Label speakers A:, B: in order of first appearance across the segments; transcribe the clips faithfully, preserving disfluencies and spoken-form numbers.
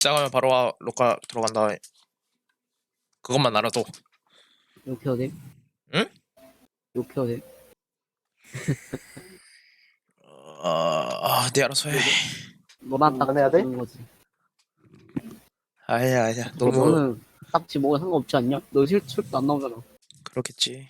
A: 시작하면 바로 와, 로카 들어간다. 그것만 알아도.
B: 이렇게 해도 돼?
A: 응?
B: 이렇게 해도 돼?
A: 어, 아, 네 알아서 해.
B: 너만 딱
C: 안 해야 돼?
B: 주는 거지.
A: 아니야, 아니야. 너무
B: 너는 딱지 뭐가 상관없지 않냐? 너 실, 실도 안 나오잖아.
A: 그렇겠지.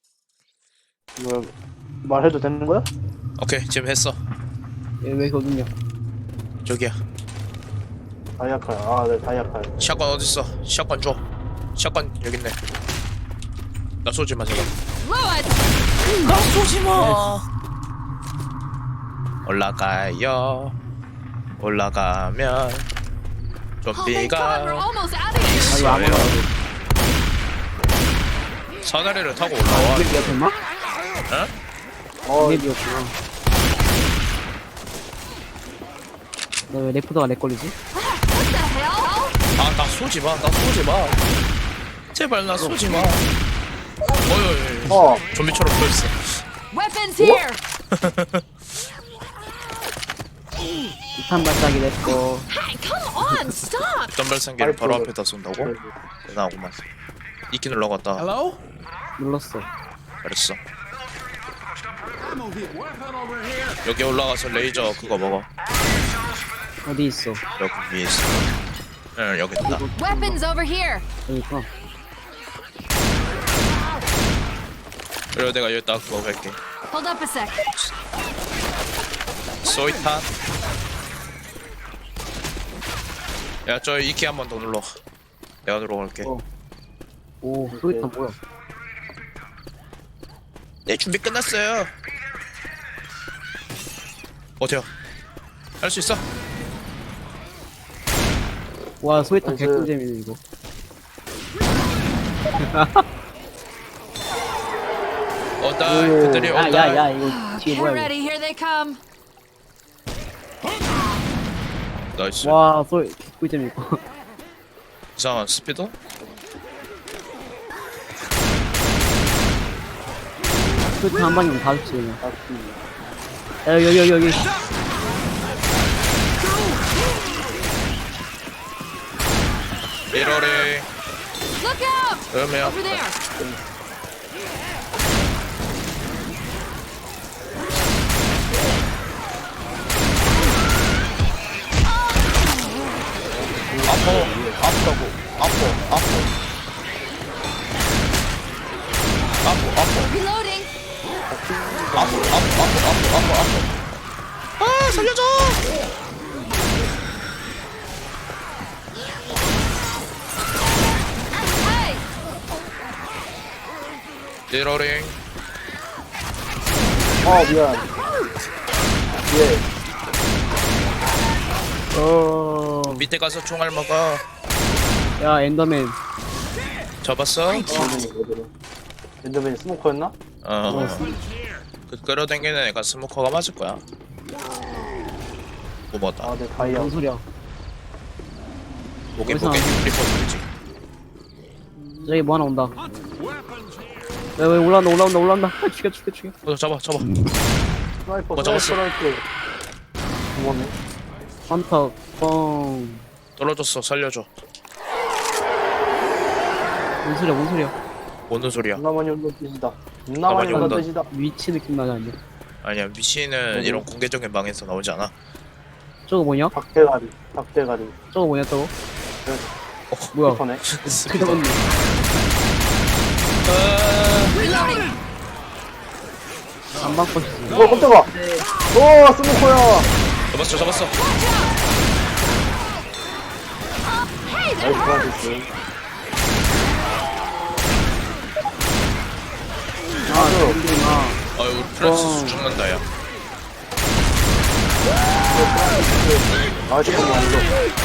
C: 뭐 말해도 되는 거야?
A: 오케이, 지금 했어.
B: 얘 왜 거든요?
A: 저기야.
C: 다이아칼. 아, 네, 다이아칼.
A: 샷건 어딨어? 샷건 줘. 샷건 여기 있네. 나 쏘지 마, 제발. 나 쏘지 마. 올라가요. 올라가면 좀비가
B: 아니 아무나
A: 있어요. 사다리를 타고 올라와.
B: 이게 됐나?
A: 응?
C: 어,
B: 이맵이었구나. 너 왜 레프터가 내 걸리지?
A: 아, 나 쏘지 마. 나 쏘지 마. 제발 나 쏘지 마. 어이,
C: 어,
A: 좀비처럼 보였어.
D: Weapons here!
B: 이탄 발사기 냈고.
D: Hey, come on, stop!
A: 어떤 발상기를 바로
C: 아이고.
A: 앞에다 쏜다고? 대단하구만. 이끼 눌러갔다.
B: 눌렀어.
A: 잘했어. 여기 올라가서 레이저 그거 먹어.
B: 어디 있어?
A: 여기 위에 있어. 응, 여기 있다.
D: Weapons over here!
B: 그러니까.
A: 그리고 내가 여기다 그거 갈게.
D: Hold up a sec.
A: 소이탄. 야, 저 이끼 한 번 더 눌러. 내가 들어갈게.
B: 어. 오, 소리탄 뭐야?
A: 네, 준비 끝났어요. 어때요? 할 수 있어?
B: 와, 소리탄
C: 나이스.
B: 개꿀잼이네 이거.
A: 온다.
C: 오.
A: 그들이
B: 야,
A: 온다.
B: 야, 야, 이거 뒤에
D: Get
B: 뭐야
D: ready, here they come.
A: 나이스.
B: 이거? 와, 소리 개꿀잼 이거.
A: 이상한 스피드?
B: 소리탄 한 방이면 다 죽지 그냥.
C: 아,
B: 야, 여기 여기 여기.
A: 미러리.
D: Look out!
A: 음이야.
D: Over there!
A: 아파. 아프다고. 아파. 아파. 아파. 아파.
D: Reloading!
A: 아파. 아파. 아파. 아파. 아파. 아파. 아, 살려줘.
D: Hey!
A: 미러링.
C: 어, 미안. 예.
B: 어.
A: 밑에 가서 총알 먹어.
B: 야, 엔더맨.
A: 잡았어?
C: 엔더맨이 뭐더라? 엔더맨이 스모커였나?
A: 어. 그 끌어당기는 애가 스모커가 맞을 거야. 뭐 뭐다.
C: 아, 네, 다이아.
B: 뭔 소리야?
A: 목에
B: 어디서
A: 목에
B: 나왔어?
A: 리퍼 소리지.
B: 저기 뭐 하나 온다. 왜, 왜 올라온다, 올라온다, 올라온다. 아, 죽여, 죽여, 죽여.
A: 어, 잡아, 잡아.
C: 스나이퍼,
A: 뭐 잡았어?
C: 스나이퍼. 고맙네.
B: 헌터, 뻥.
A: 떨어졌어, 살려줘.
B: 뭔 소리야, 뭔 소리야.
A: 뭔 소리야?
C: 존나 많이 온다는 뜻이다. 존나
A: 존나
C: 많이
A: 많이
C: 온다는
A: 온다.
C: 뜻이다.
B: 위치 느낌 나지 않냐?
A: 아니야, 미신은 이런 공개적인 방에서 나오지 않아.
B: 저거 뭐냐?
C: 닭대가리, 닭대가리.
B: 저거 뭐냐, 저거?
C: 네.
B: 어, 뭐야?
C: 스피커네.
A: 스피드.
B: 그거네.
D: Reloading!
B: 안 바꿔주지.
C: 어, 깜짝아! 오, 스모커야!
A: 잡았어, 잡았어.
C: 나이스, 나이스.
B: 아, 힘들구나.
A: 아유, 프랑스
B: 어.
A: 수 죽는다, 야.
C: 아, 잠깐만, 이거.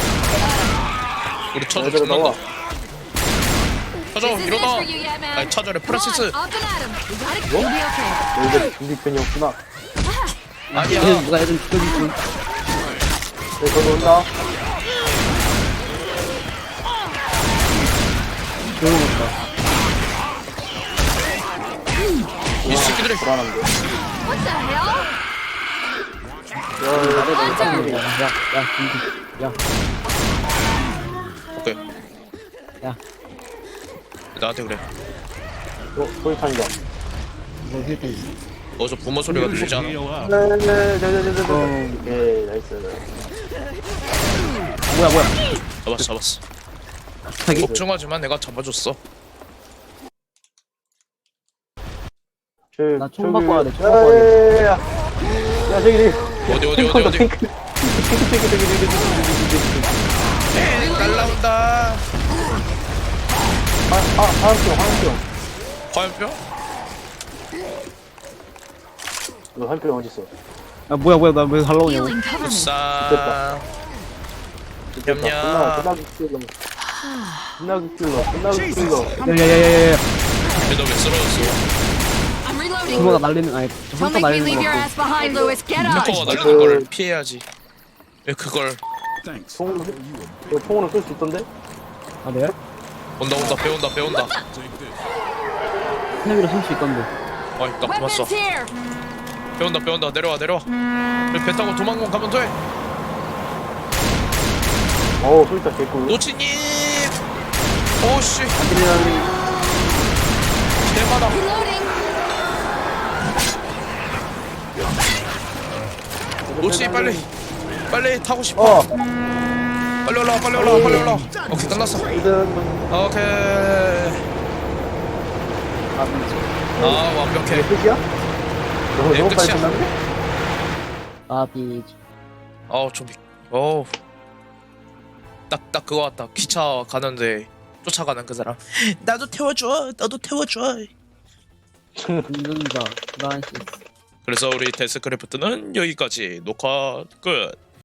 A: 우리 처저
C: 얘들아, 나와.
A: 죽는다. 처저,
D: This is it
A: 일어나.
D: for you, yeah, man.
A: 아니, 처저래,
D: Come on,
A: 프란시스.
D: up and at him. We gotta you'll be okay.
C: 너희들 준비편이었구나.
A: 아니야.
B: 얘 누가 얘좀 죽여주지.
C: 네, 저기 온다.
B: 조용했다.
A: 이 새끼들이.
C: 불안한데.
D: What the hell?
C: 야, 야, 야, 야, 야, 야.
B: 야, 야, 야, 야.
A: 오케이.
B: 야.
A: 나한테 그래.
C: 어, 소리탄이다.
B: 이거 힐때
A: 어서 부모 소리가 들리지 않아?
C: 네네네네네네.
B: 어.
C: 오케이, 나이스.
B: 뭐야 뭐야
A: 잡았어 잡았어.
B: 갑자기
A: 걱정하지만 내가 잡아줬어.
C: 저,
B: 나총
C: 저기-
B: 바꿔야 돼, 총 바꿔야 돼.
C: 야, 야, 야. 야, 저기, 저기.
A: 어디 어디 어디 어디?
C: 탱크, 탱크, 탱크, 탱크, 탱크, 탱크, 탱크.
A: 에이 날라온다.
C: 아, 아, 화염병, 화염병.
A: 화염병?
C: 너 화염병 어딨어?
B: 아 뭐야 뭐야 나 왜 달라오냐고
D: Healing, cover me.
A: 싸.
C: 끝나,
A: 냠냠.
C: 끝나기 킬러. 끝나기 킬러, 끝나기 킬러.
B: 야야야야야
A: 근데 너왜 쓰러졌어?
D: I'm reloading.
B: 그거가 날리는 아니 저
D: Don't
B: 혼자
D: make me
B: 날리는
D: leave
B: 거
D: your
B: 같고
D: ass behind, Lewis. Get up.
A: 햄커가 날리는 걸 피해야지. 왜 그걸
C: 총, 이거 총으로 쏠 수 있던데?
B: 아 내가?
A: 온다 온다 배운다 배운다.
B: 스냅으로 쏠 수 있던데
A: 아 있다 고맙어.
D: Weapons here.
A: 배운다 배운다 내려와 내려와. 여기 배 타고 도망공 가면 돼.
C: 어우, 소리탄 개꿀.
A: 노치님. 오씨
C: 안들리나니.
A: 대마다.
D: Reloading.
A: 노치 빨리 빨리 타고 싶어.
C: 어,
A: 빨리 올라와 빨리 올라와 빨리 올라와. 오케이 끝났어.
C: 이든,
A: 오케이.
B: 아 미치
A: 아 완벽해.
C: 이게 끝이야? 너무,
A: 네,
C: 너무 빨리
A: 끝이야.
C: 끝났네?
B: 아 미치
A: 아우 좀 어우 딱 딱 그거 같다. 기차 가는데 쫓아가는 그 사람. 나도 태워줘 나도 태워줘.
B: 운전자 프란시스
A: 그래서 우리 데스크래프트는 여기까지 녹화 끝.